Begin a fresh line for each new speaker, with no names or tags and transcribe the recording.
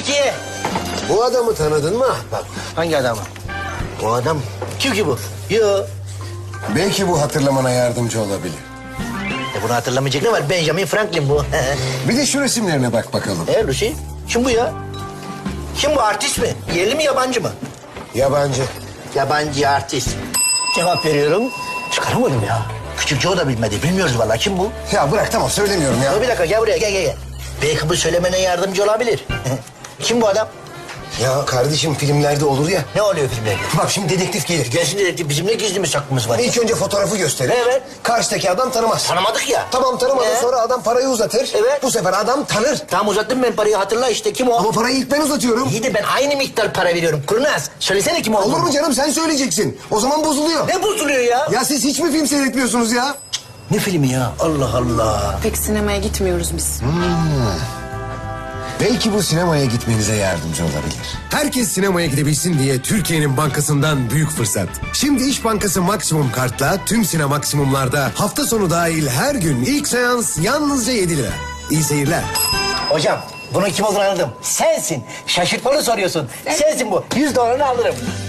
Peki.
Bu adamı tanıdın mı ahbap?
Hangi adamı? Bu adam kim ki bu? Yo.
Belki bu hatırlamana yardımcı olabilir.
Bunu hatırlamayacak ne var? Benjamin Franklin bu.
Bir de şu resimlerine bak bakalım.
Lucy? Kim bu ya? Kim bu, artist mi? Yerli mi, yabancı mı?
Yabancı.
Yabancı artist. Cevap veriyorum. Çıkaramadım ya. Küçük Joe da bilmedi. Bilmiyoruz vallahi. Kim bu?
Ya bırak tamam söylemiyorum ya.
Dur bir dakika, gel buraya, gel. Belki bu söylemene yardımcı olabilir. Kim bu adam?
Ya kardeşim filmlerde olur ya.
Ne oluyor filmlerde?
Bak şimdi dedektif gelir.
Gelsin dedektif, bizim ne gizlimiz saklımız var?
İlk önce fotoğrafı gösterir.
Evet.
Karşıdaki adam tanımaz.
Tanımadık ya.
Tamam tanımadı sonra adam parayı uzatır.
Evet.
Bu sefer adam tanır.
Tamam, uzattım ben parayı, hatırla işte, kim o?
Ama parayı ilk ben uzatıyorum.
İyi de ben aynı miktar para veriyorum. Kurnaz, söylesene kim olduğunu.
Olur mu canım sen söyleyeceksin. O zaman bozuluyor.
Ne bozuluyor ya?
Ya siz hiç mi film seyretmiyorsunuz ya?
Ne filmi ya? Allah Allah.
Pek sinemaya gitmiyoruz biz.
Belki bu sinemaya gitmenize yardımcı olabilir. Herkes sinemaya gidebilsin diye Türkiye'nin bankasından büyük fırsat. Şimdi İş Bankası Maksimum Kart'la tüm Sinemaksimum'larda hafta sonu dahil her gün ilk seans yalnızca 7 lira. İyi seyirler.
Hocam, bunun kim olduğunu anladım. Sensin. Şaşırtmalı soruyorsun. Sensin bu. $100 alırım.